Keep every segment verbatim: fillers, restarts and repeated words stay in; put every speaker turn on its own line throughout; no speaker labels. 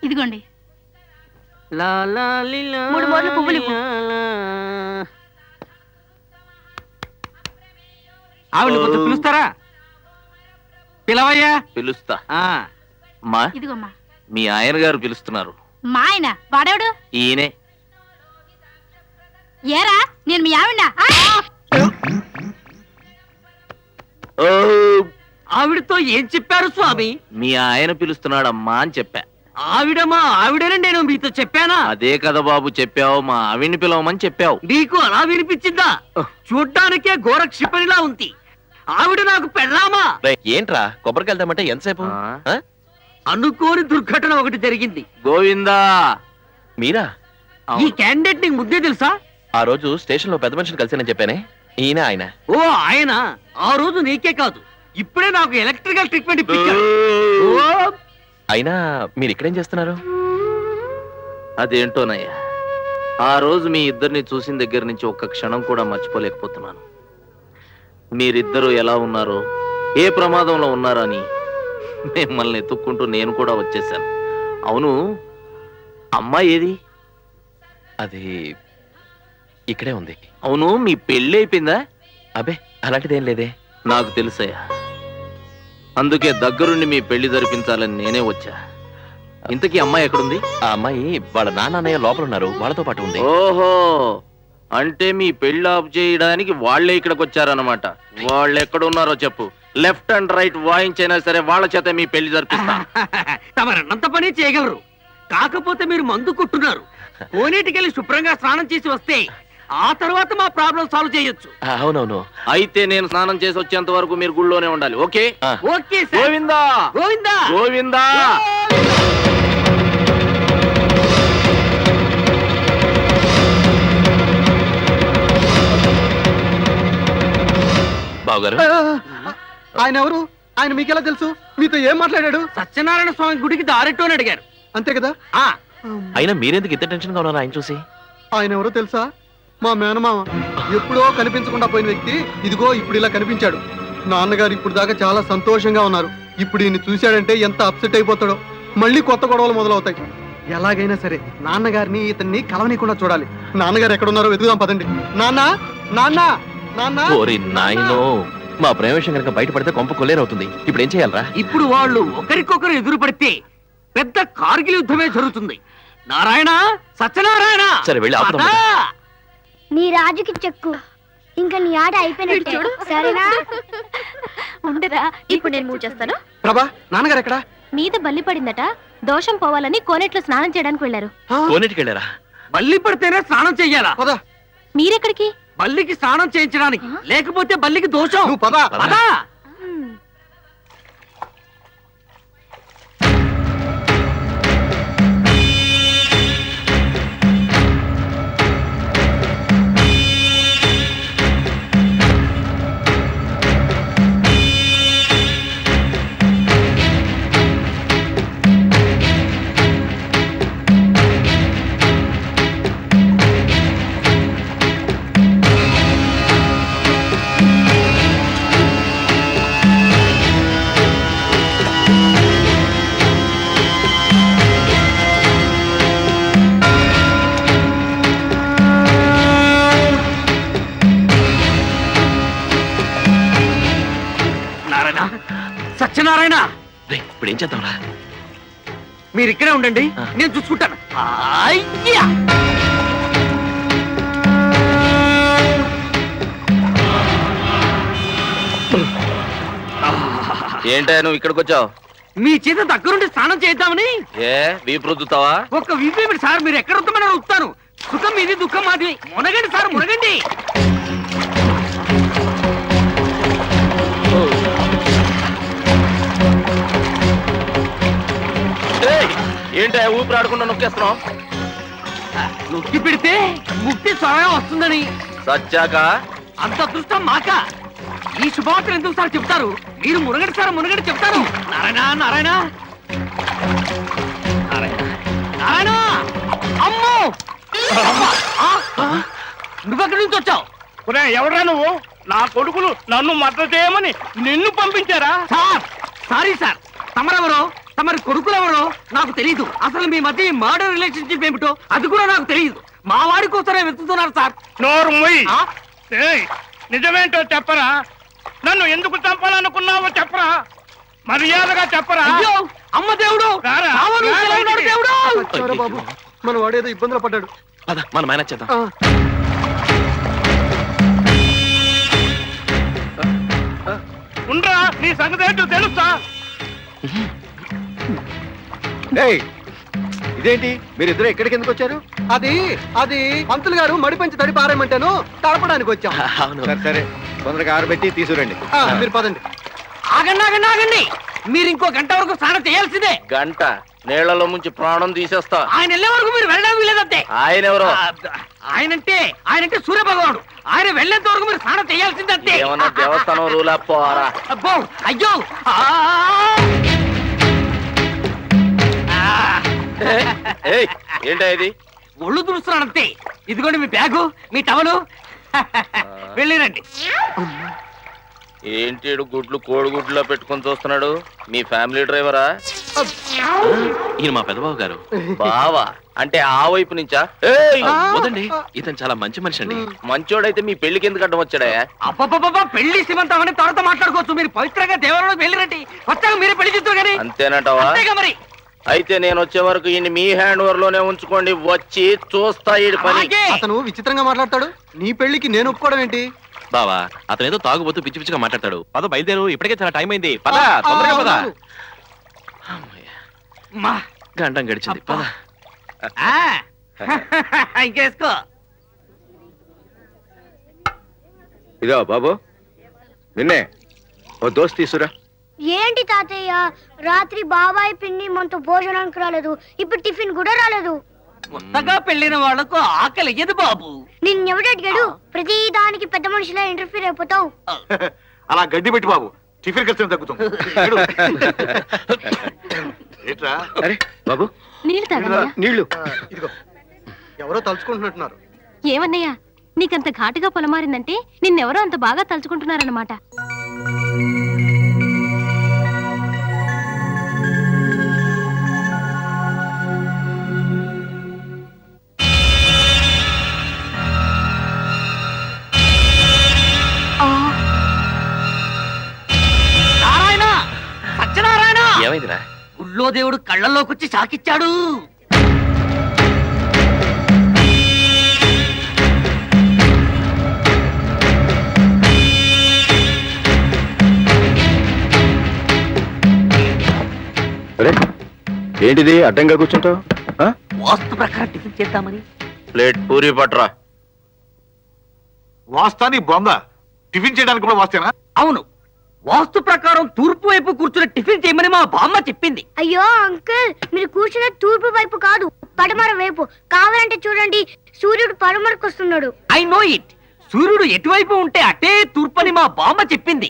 ఇదిగోండి. మూడు మూరలు పువ్వులు ఇవ్వు.
ఆవిడ కొంచెం పిలుస్తారా? పిలవయ్యా.
పిలుస్తా.
మా ఇదిగోమ్మా.
మీ ఆయన గారు పిలుస్తున్నారు.
మా ఆయన వాడేవాడు?
ఈయనే.
ఏరా నేను మీ ఆవిడ.
ఆవిడతో ఏం చెప్పారు స్వామి?
మీ ఆయన పిలుస్తున్నాడమ్మా అని చెప్పా.
ఆవిడమా ఆవిడనే నేను మీతో చెప్పానా?
అదే కదా బాబు చెప్పావు, మా ఆవిడ్ని పిలవమని చెప్పావు.
నీకు అలా వినిపించిందా? చూడ్డానికే ఘోర క్షిపణిలా ఉంది. ఆవిడ నాకు పెళ్ళామా?
ఏంట్రా కొబ్బరికి వెళ్తామంటే ఎంతసేపు?
అనుకోని దుర్ఘటన ఒకటి జరిగింది.
గోవిందా.
మీరా?
ఈ క్యాండిడేట్ నీకు ముద్దే తెలుసా?
ఆ రోజు స్టేషన్ లో పెద్ద మనిషిని కలిసానని చెప్పానే, ఈయన ఆయన.
ఓ ఆయన. ఆ రోజు నీకే కాదు, ఇప్పుడే నాకు ఎలక్ట్రికల్ ట్రీట్మెంట్ ఇప్పించాడు.
అయినా మీరు ఇక్కడేం చేస్తున్నారు?
అదేంటోనయ్యా, ఆ రోజు మీ ఇద్దరిని చూసిన దగ్గర నుంచి ఒక్క క్షణం కూడా మర్చిపోలేకపోతున్నాను. మీరిద్దరూ ఎలా ఉన్నారో, ఏ ప్రమాదంలో ఉన్నారని మిమ్మల్ని ఎత్తుక్కుంటూ నేను కూడా వచ్చేసాను. అవును, అమ్మాయి ఏది?
అది ఇక్కడే ఉంది.
అవును, మీ పెళ్ళి అయిపోయిందా?
అబే అలాంటిదేం లేదే.
నాకు తెలుసయ్యా, అందుకే దగ్గరుండి మీ పెళ్లి జరిపించాలని నేనే వచ్చా. ఇంతకీ అమ్మాయి ఎక్కడుంది?
ఆ అమ్మాయి వాళ్ళ నాన్నయ్య లోపల ఉన్నారు, వాళ్ళతో పాటు ఉంది.
ఓహో, అంటే మీ పెళ్లి ఆఫ్ చేయడానికి వాళ్లే ఇక్కడికి వచ్చారన్నమాట. వాళ్ళు ఎక్కడున్నారో చెప్పు, లెఫ్ట్ అండ్ రైట్ వాయించైనా సరే వాళ్ళ చేత మీ పెళ్లి జరిపిస్తా.
తమరన్నంత పని చేయగలరు, కాకపోతే మీరు మందు కొట్టున్నారు. కోనేటికెళ్ళి శుభ్రంగా స్నానం చేసి వస్తే ఆ తర్వాత మా ప్రాబ్లం సాల్వ్ చేయొచ్చు.
అవునవును.
అయితే నేను స్నానం చేసి వచ్చేంత వరకు మీరు గుళ్ళోనే ఉండాలి. ఓకే?
ఓకే.
గోవిందా
గోవిందా
గోవిందా.
బావగారు,
ఆయన ఎవరు? ఆయన మీకెలా తెలుసు? మీతో ఏం మాట్లాడాడు?
సత్యనారాయణ స్వామి గుడికి దారెట్టో అని అడిగారు.
అంతే కదా?
అయినా మీరెందుకు ఇంత టెన్షన్ గా ఉన్నారు ఆయన చూసి?
ఆయన ఎవరో తెలుసా? మా మేనమామ. ఎప్పుడో కనిపించకుండా పోయిన వ్యక్తి ఇదిగో ఇప్పుడు ఇలా కనిపించాడు. నాన్నగారు ఇప్పుడు దాకా చాలా సంతోషంగా ఉన్నారు. ఇప్పుడు ఈయన చూశాడంటే ఎంత అప్సెట్ అయిపోతాడో. మళ్ళీ కొత్త గొడవలు మొదలవుతాయి. ఎలాగైనా సరే నాన్నగారిని ఇతన్ని కలవనీయకుండా చూడాలి. నాన్నగారు ఎక్కడున్నారో వెతుకుదాం పదండి. నాన్న నాన్న నాన్న.
ఓరి నాయనో, మా ప్రేమ విషయం కనుక బయటపడితే కొంప కొల్లేరవుతుంది. ఇప్పుడు ఏం చేయాలరా?
ఇప్పుడు వాళ్ళు ఒకరికొకరు ఎదురు పడితే పెద్ద కార్గిల్ యుద్ధమే జరుగుతుంది. నారాయణ, సత్యనారాయణ.
సరే వెళ్ళి ఆపుదాం.
నీ రాజుకి చెక్కు, ఇంకా నీ ఆట అయిపోయినట్టు. సరేనా?
ఉండరా, ఇప్పుడు నేను మూవ్ చేస్తాను.
ప్రభా, నాన్నగారు ఎక్కడా?
మీద బల్లి పడిందట, దోషం పోవాలని కోనేట్లో స్నానం చేయడానికి వెళ్ళారు.
కోనేటికి వెళ్ళారా?
బల్లి పడితేనే స్నానం చెయ్యాలా?
పదా.
మీరెక్కడికి?
బల్లికి స్నానం చేయించడానికి, లేకపోతే బల్లికి దోషం.
నువ్వు పదా
పదా. సత్యనారాయణ,
ఇప్పుడు ఏం చేద్దాంరా?
మీరు ఇక్కడే ఉండండి, నేను చూసుకుంటాను. అయ్యా,
ఏంటా నువ్వు ఇక్కడికి వచ్చావు?
మీ చేత దగ్గరుండి స్నానం చేద్దామని.
ఏ వీపు రుద్దుతావా?
ఒక్క వీపేమిటి సార్, మీరు ఎక్కడ వస్తామని వస్తాను. సుఖం మీది, దుఃఖం మాది. మునగండి సార్, మునగండి.
ఏంటా ఊపిరి ఆడకుండా నొక్కేస్తున్నావు?
నొక్కి పెడితే ముక్తి స్వయం వస్తుందని.
సచ్చాక
అంత అదృష్టం మాక. ఈ శుభవార్తలు ఎందుకు సార్ చెప్తారు? మీరు మునగడి సార్, మునగడి చెప్తారు. నారాయణ నారాయణ నారాయణ నారాయణ. అమ్మో, నువ్వెక్కడి నుంచి వచ్చావు?
ఎవరా నువ్వు? నా కొడుకులు నన్ను మద్దతు చేయమని నిన్ను పంపించారా?
సార్ సారీ సార్, తమరెవరు? తమరి కొడుకులు ఎవరో నాకు తెలియదు. అసలు మీ మధ్య మర్డర్ రిలేషన్షిప్ ఏమిటో అది కూడా నాకు తెలియదు. మా వాడి కోసమే వెతుకుతున్నారు సార్.
నోరు మొయ్.
ఆ?
ఏయ్, నిజమేంటో చెప్పరా? నన్ను ఎందుకు చంపాలనుకున్నావో చెప్పరా? మర్యాదగా చెప్పరా?
అయ్యో అమ్మ దేవుడు,
రారా?
రావణుడు
రారా
సెలవున్నాడు
ఇంటికి?
దేవుడు.
సరే బాబు, మన వాడేదో ఇబ్బందులు పడ్డాడు.
పద మనం మేనేజ్ చేద్దాం.
ఆ,
ఉండరా, నీ సంగతి ఏంటో తెలుసా?
ఇదేంటి మీరిద్దరు ఎక్కడికి ఎందుకు వచ్చారు?
అది అది పంతులు గారు మడి పెంచి తడి పారేయమంటాను, తడపడానికి వచ్చాం.
అవును.
సరే సరే తొందరగా ఆరబెట్టి తీసుకురండి.
ఆ, మీరు పదండి.
ఆగండి ఆగండి ఆగండి, మీరు ఇంకో గంట వరకు స్నానం చేయాల్సిందే.
గంట నీళ్లలో ముంచి ప్రాణం తీసేస్తా.
ఆయన వెళ్ళే వరకు మీరు వెళ్ళడం వీలేదంతే.
ఆయన ఎవరో
ఆ, ఆయనంటే ఆయనంటే సూర్య భగవానుడు. ఆయన వెళ్ళేంత వరకు మీరు స్నానం చేయాల్సిందంతే.
ఏమన్నా దేవస్థానం రూలా పోరా?
అబ్బో అయ్యో ఆ! ఆ!
ఏయ్, ఏంటా ఇది?
ఒళ్ళు తుడుస్తున్నానంతే. ఇదిగోండి మీ బ్యాగు, మీ టవలు. వెళ్ళిరండి.
ఏంటి ఈడు గుడ్లు కోడిగుడ్లో పెట్టుకొని చూస్తున్నాడు? మీ ఫ్యామిలీ డ్రైవరా?
ఈయన మా పెదబాబు గారు.
బావా అంటే ఆ వైపు నుంచా? ఏయ్,
ఆ, వదండి, ఇతను చాలా మంచి మనిషి అండి.
మంచోడైతే మీ పెళ్లికి ఎందుకు అడ్డం వచ్చాడా?
అబ్బబ్బబ్బబ్బా, పెళ్లి శ్రీమంతం అని తర్వాత మాట్లాడుకోవచ్చు. మీరు పవిత్రంగా దేవాలయంలో వెళ్ళిరండి. వచ్చాక మీరే పెళ్లి చేస్తారు కానీ.
అంతేనంటావా?
అంతేగా మరి.
అయితే నేను వచ్చే వరకు ఈయన మీ హ్యాండ్ ఓవర్ లోనే ఉంచుకోండి. వచ్చి చూస్తా ఈ పని.
అలాగే.
అతను విచిత్రంగా మాట్లాడతాడు. నీ పెళ్లికి నేను ఒప్పుకోవడం ఏంటి?
బావా అతను ఏదో తాగుబోతూ పిచ్చి పిచ్చిగా మాట్లాడతాడు. పద బయలుదేరు, ఇప్పటికే చాలా టైం అయింది. పద
ఆ,
తొందరగా పద.
అవును.
అమ్మయ్య,
మా
గంటం గడిచింది. పద.
ఆ. ఇంకేసుకో.
ఇదో బాబు, నిన్నే ఓ దోస్త్ తీసురా.
ఏంటి తాతయ్య, రాత్రి బాబాయ్ పిన్ని మనతో భోజనానికి రాలేదు, ఇప్పుడు టిఫిన్ కూడా రాలేదు.
కొత్తగా పెళ్లిన వాళ్లకు ఆకలి ఎదు బాబు.
నిన్నెవడు అడిగాడు? ప్రతి దానికి పెద్ద మనిషిలా ఇంటర్ఫీర్ అయిపోతావు.
అలా గడ్డి పెట్టి బాబు, టిఫిన్ ఖర్చు తగ్గుతుంది. ఏట్రా
అరే బాబు,
నీళ్ళు తాగన్నయ్యా.
నీళ్లు.
ఆ, ఇదిగో ఎవరో తలుచుకుంటున్నట్టున్నారు.
ఏమన్నయ్యా, నీకంత ఘాటుగా పొలమారిందంటే నిన్నెవరో అంత బాగా తలుచుకుంటున్నారన్నమాట.
నారాయణ, సత్యనారాయణ,
ఏమైందిరా?
గుళ్ళో దేవుడు కళ్ళల్లోకి వచ్చి షాకిచ్చాడు.
అరే ఏంటిది అడ్డంగా కూర్చుంటావు?
వాస్తు ప్రకారం టిఫిన్ చేద్దామని.
ప్లేట్ పూరి పట్రా.
వాస్తాని బొంద, టిఫిన్ చేయడానికి కూడా వాస్తేనా?
అవును, వాస్తు ప్రకారం తూర్పు వైపు కూర్చుని టిఫిన్ చేయమని మా బామ్మ చెప్పింది.
అయ్యో అంకుల్, మీరు కూర్చున్న తూర్పు వైపు కాదు, పడమర వైపు. కావాలంటే చూడండి, సూర్యుడు పడమరకు వస్తున్నాడు.
I know it. సూర్యుడు ఎటువైపు ఉంటే అటే తూర్పు అని మా బామ్మ చెప్పింది.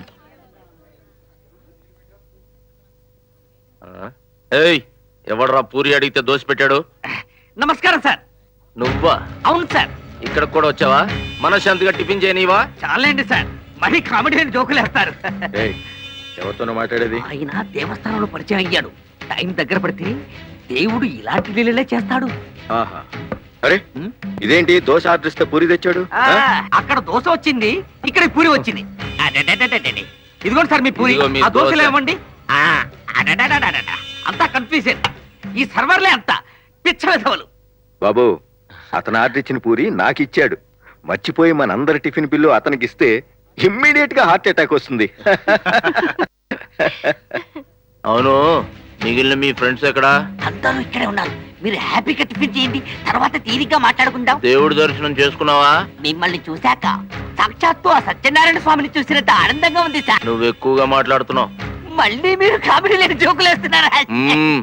ఏయ్, ఎవడరా పూరి అడిగితే దోశ పెట్టాడు?
నమస్కారం సార్.
నువ్వా?
అవును సార్.
ఇక్కడ కూడా వచ్చావా? మనశ్శాంతిగా టిఫిన్ చేయనివా?
చాలండి సార్, మరీ కామెడీ అని జోకులేస్తారు.
ఏయ్, ఎవరితోనో మాట్లాడేది?
ఆయన దేవస్థానంలో పరిచయం అయ్యాడు. టైం దగ్గర పడితే దేవుడు ఇలాంటి లీలలే చేస్తాడు.
ఆహా. అరే ఇదేంటి దోశ ఆర్డర్ ఇస్తే పూరి తెచ్చాడు?
ఆ, అక్కడ దోశ వచ్చింది, ఇక్కడ పూరి వచ్చింది. అడడడడడడడి. ఇదిగోండి సార్ మీ పూరి.
ఇదిగో మీ
ఆ దోశలు
దోశ.
ఏమండి? ఆ, అడడడడడడ. అంతా కన్ఫ్యూజన్. ఈ సర్వర్లే అంతా పిచ్చ విధవలు.
బాబు, అతను ఆర్డర్ ఇచ్చిన పూరి నాకు ఇచ్చాడు. మర్చిపోయి మనందరి టిఫిన్ బిల్లు అతనికి ఇస్తే ఇమ్మీడియట్ గా హార్ట్ అటాక్ వస్తుంది.
అవును, మిగిలిన మీ ఫ్రెండ్స్ ఎక్కడా?
అందరూ ఇక్కడే ఉన్నారు. మీరు హ్యాపీగా టిఫిన్ చేయండి, తర్వాత తీరిగ్గా మాట్లాడుకుందాం.
దేవుడి దర్శనం చేసుకున్నావా?
మిమ్మల్ని చూశాక సాక్షాత్తు ఆ సత్యనారాయణ స్వామిని చూసినంత ఆనందంగా ఉంది సార్.
నువ్వు ఎక్కువగా మాట్లాడుతున్నావు.
మళ్ళీ మీరు కామెడీ లేని జోకులు వేస్తున్నారా?
మ్మ్.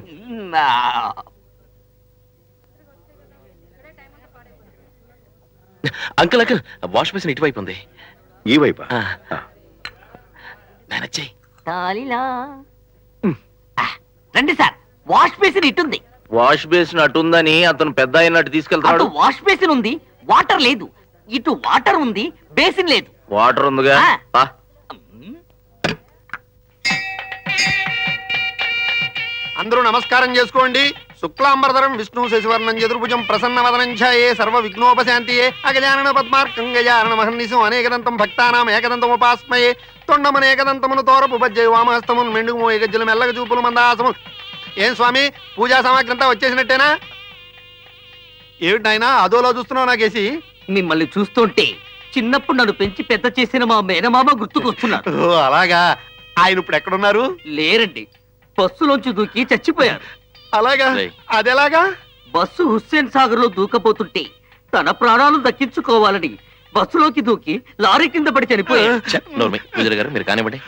అంకుల్ అంకుల్, వాష్ బేసిన్ ఇటువైపు ఉంది.
ఈ వైపా?
ఆ. మేనేజ్ చెయ్యి.
తాలిలా. ఆ, రండి సార్, వాష్ బేసిన్ ఇటుంది.
వాష్ బేసిన్ అటుందని అతను పెద్ద అయినట్టు
అటు
తీసుకెళ్తాడు.
వాష్ బేసిన్ ఉంది, వాటర్ లేదు. ఇటు వాటర్ ఉంది, బేసిన్ లేదు.
వాటర్ ఉందిగా.
ఆ.
పా.
అందరూ నమస్కారం చేసుకోండి. శుక్లాంబరధరం విష్ణు శశివర్ణం చతుర్భుజం ప్రసన్న వదనం ఛాయే సర్వ విఘ్నోపశాంతియే అగజానన పద్మార్కం గజానన మహర్నిశం అనేకదంతం భక్తానాం ఏకదంతం ఉపాస్మయే తొండమన ఏకదంతమును తోరపు బజ్జయ వామహస్తమును మెండుగు మోయ గజ్జలు మెల్లగ చూపులు మందాసము. ఏం స్వామి పూజా సామాగ్రి అంతా వచ్చేసినట్టేనా? ఏమిటి నాయనా అదోలా చూస్తున్నావు నాకేసి?
మిమ్మల్ని చూస్తుంటే చిన్నప్పుడు నన్ను పెంచి పెద్ద చేసిన మా మేనమామ గుర్తుకొస్తున్నారు.
ఓ అలాగా. ఆయన ఇప్పుడు ఎక్కడున్నారు?
లేరండి, బస్సులోంచి దూకి చచ్చిపోయారు.
అలాగా,
రేయ్.
అదెలాగా?
బస్సు హుస్సేన్ సాగర్ లో దూకపోతుంటే తన ప్రాణాలు దక్కించుకోవాలని బస్సులోకి దూకి లారీ కింద పడి చనిపోయారు.
ఛ, నోర్మి, పూజారి గారు మీరు కానివ్వండి.